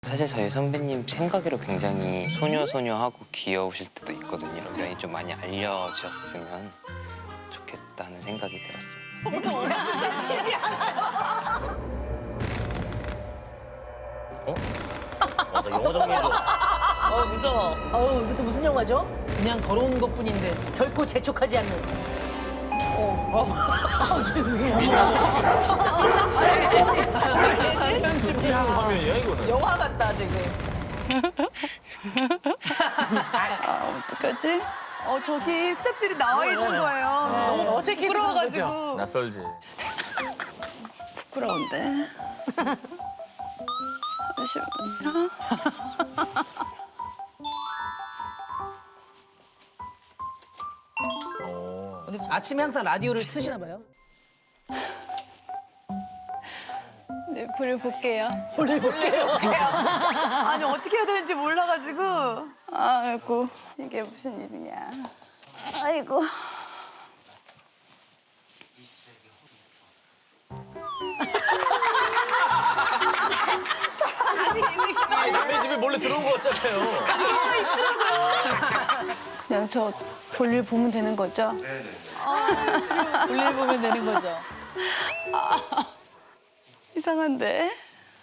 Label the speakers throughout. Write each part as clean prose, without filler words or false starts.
Speaker 1: 사실 저희 선배님 생각으로 굉장히 소녀소녀하고 귀여우실 때도 있거든요. 이런 좀 많이 알려주셨으면 좋겠다는 생각이 들었습니다.
Speaker 2: 나 영어 정리해줘.
Speaker 3: 무서워.
Speaker 4: 어우, 이것도 무슨 영화죠?
Speaker 3: 그냥 걸어온 것뿐인데.
Speaker 4: 결코 재촉하지 않는.
Speaker 2: 화면이야 이거는.
Speaker 3: 영화 같다 지금.
Speaker 5: 어떡하지? 저기 스태프들이 나와 있는 거예요. 그래서 너무
Speaker 3: 어색해서
Speaker 5: 부끄러워가지고.
Speaker 2: 낯설지.
Speaker 5: 부끄러운데. 잠시만요.
Speaker 3: 아침에 항상 라디오를 트시나 봐요.
Speaker 5: 네, 불을 볼게요.
Speaker 3: 올려볼게요.
Speaker 5: 아니, 어떻게 해야 되는지 몰라가지고. 아이고, 이게 무슨 일이냐. 아이고.
Speaker 2: 남의 집에 몰래 들어온 거 같잖아요.
Speaker 5: 그냥 저 볼일 보면 되는 거죠?
Speaker 3: 볼일 보면 되는 거죠.
Speaker 5: 이상한데?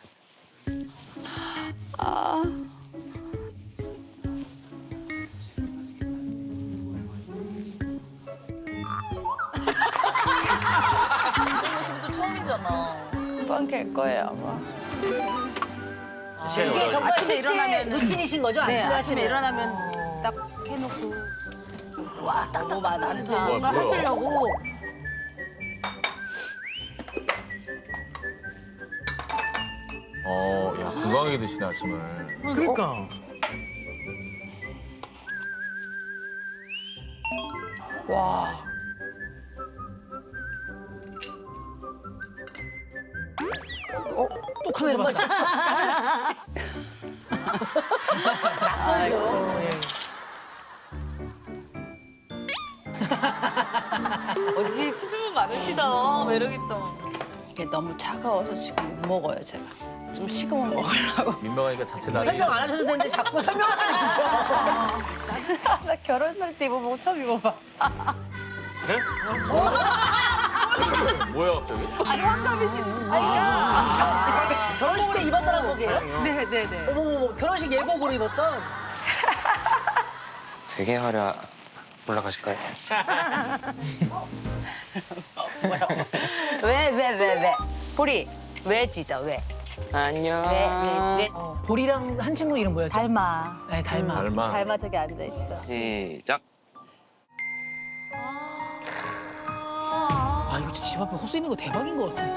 Speaker 3: 이런 모습은 또 처음이잖아.
Speaker 5: 금방 될 거예요, 아마.
Speaker 4: 이게 정말
Speaker 5: 아침에
Speaker 4: 실제
Speaker 5: 일어나면은-
Speaker 4: 루틴이신 거죠?
Speaker 5: 네,
Speaker 4: 아침에
Speaker 5: 아침에
Speaker 4: 하시는.
Speaker 5: 일어나면 딱 해놓고. 와,
Speaker 3: 너무 많다.
Speaker 5: 뭔가 하시려고.
Speaker 2: 야 건강하게 드시네 아침을.
Speaker 3: 그러니까.
Speaker 5: 와.
Speaker 3: 또 카메라 맞아. 낯설죠. 예. 어디 수줍음 많으시다. 매력있다.
Speaker 5: 이게 너무 차가워서 지금 못 먹어요, 제가. 좀 식으면 먹으려고.
Speaker 2: 민망하니까 자체 나이.
Speaker 4: 설명 안 하셔도 되는데 자꾸 설명을 해주시죠.
Speaker 5: 나 결혼할 때 입어보고 처음 입어봐.
Speaker 2: 네? 뭐야 갑자기?
Speaker 5: 아니, 환갑이신.
Speaker 4: 결혼식 때 입었던 한복이에요?
Speaker 5: 네네네.
Speaker 4: 어머머, 결혼식 예복으로 입었던?
Speaker 1: 되게 화려 올라가실까요?
Speaker 5: 왜? 보리, 왜 짖어, 왜?
Speaker 1: 안녕.
Speaker 5: 왜?
Speaker 3: 보리랑 한 친구 이름 뭐였죠?
Speaker 5: 닮아.
Speaker 3: 네, 닮아.
Speaker 2: 얼마?
Speaker 5: 닮아 저기 앉아있죠.
Speaker 1: 시작.
Speaker 3: 아, 이거 집 앞에 호수 있는 거 대박인 것 같아.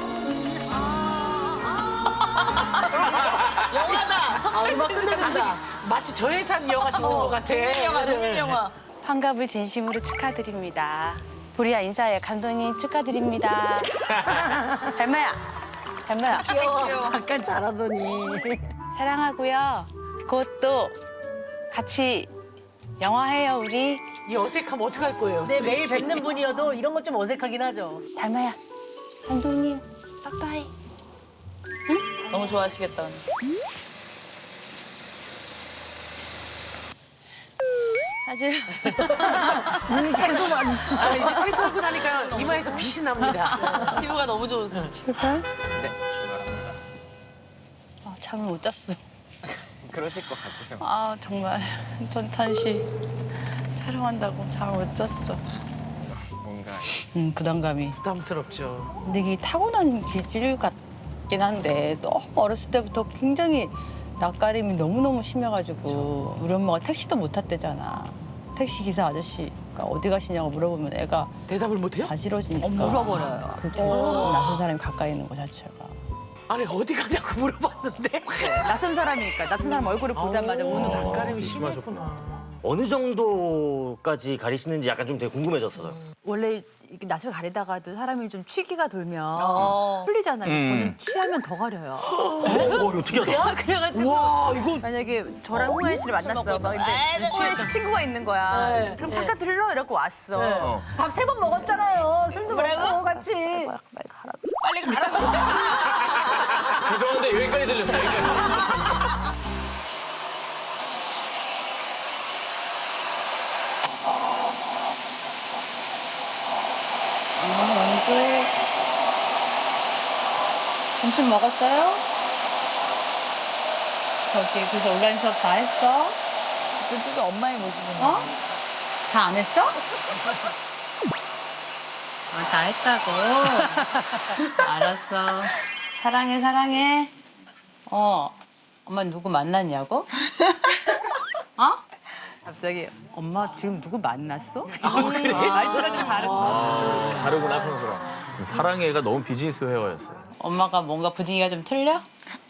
Speaker 4: 아, 음악 끝내준다.
Speaker 3: 마치 저예산 영화 찍는 것 같아.
Speaker 5: 동일영화. 환갑을 진심으로 축하드립니다. 보리야 인사해. 감독님 축하드립니다. 닮아야.
Speaker 4: 귀여워.
Speaker 5: 약간 잘하더니. 사랑하고요. 곧 또 같이 영화 해요 우리.
Speaker 3: 이 어색함 어떡할 거예요?
Speaker 4: 네, 매일 뵙는 분이어도 이런 건 좀 어색하긴 하죠.
Speaker 5: 닮아야. 감독님 빠빠이.
Speaker 3: 너무 좋아하시겠다.
Speaker 5: 아주
Speaker 3: 아, 이제 세수하고 나니까 이마에서 빛이 납니다. 피부가 너무 좋으세요.
Speaker 1: 네, 출발합니다.
Speaker 5: 잠을 못 잤어.
Speaker 1: 그러실 것 같아요.
Speaker 5: 아 정말 전찬씨 촬영한다고 잠을 못 잤어.
Speaker 1: 뭔가
Speaker 5: 부담감이.
Speaker 3: 부담스럽죠.
Speaker 5: 근데 이게 타고난 기질 같긴 한데 너무 어렸을 때부터 굉장히 낯가림이 너무너무 심해가지고 우리 엄마가 택시도 못 탔대잖아. 택시 기사 아저씨가 어디 가시냐고 물어보면 애가
Speaker 3: 대답을 못해요?
Speaker 5: 가지러지니까
Speaker 3: 물어버려요.
Speaker 5: 그렇게 낯선 사람이 가까이 있는 것 자체가.
Speaker 3: 아니, 어디 가냐고 물어봤는데.
Speaker 6: 낯선 사람이니까 낯선 사람 얼굴을 보자마자 우는 거.
Speaker 3: 낯가림이
Speaker 2: 심하셨구나.
Speaker 3: 심했구나.
Speaker 7: 어느 정도까지 가리시는지 약간 좀 되게 궁금해졌어요.
Speaker 6: 원래 이렇게 낯을 가리다가도 사람이 좀 취기가 돌면 풀리잖아요. 저는 취하면 더 가려요.
Speaker 7: 이거 특이하다.
Speaker 6: 그래가지고 만약에 저랑 홍현 씨를 만났어. 막 근데 홍현 씨 친구가 있는 거야. 그럼 잠깐 들러 이러고 왔어.
Speaker 4: 밥 3번 먹었잖아요. 술도 먹고 같이.
Speaker 6: 빨리 가라고.
Speaker 2: 죄송한데 여기까지 들렸어요. 여기까지.
Speaker 5: 점심 먹었어요? 저기 그래서 온라인 수업 다 했어?
Speaker 6: 그때도 엄마의 모습은.
Speaker 5: 어? 다 안 했어? 다 했다고. 알았어. 사랑해, 사랑해. 엄마 누구 만났냐고? 어?
Speaker 6: 갑자기 엄마 지금 누구 만났어? 그래. 말투가 좀 다른 거.
Speaker 2: 다르구나 평소랑. 지금 사랑해가 너무 비즈니스 회화였어요.
Speaker 5: 엄마가 뭔가 분위기가 좀 틀려?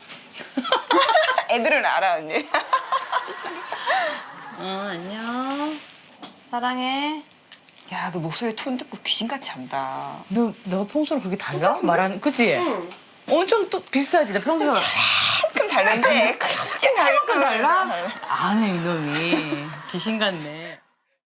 Speaker 8: 애들은 알아 언니.
Speaker 5: 안녕. 사랑해.
Speaker 8: 야, 너 목소리 톤 듣고 귀신같이 한다.
Speaker 5: 너 평소랑 그렇게 달라? 말하는, 그치? 엄청 또 비슷하지, 나 평소랑.
Speaker 8: 조금 다른데 크게 다를 거
Speaker 5: 달라? 안 해, 이놈이. 귀신 같네.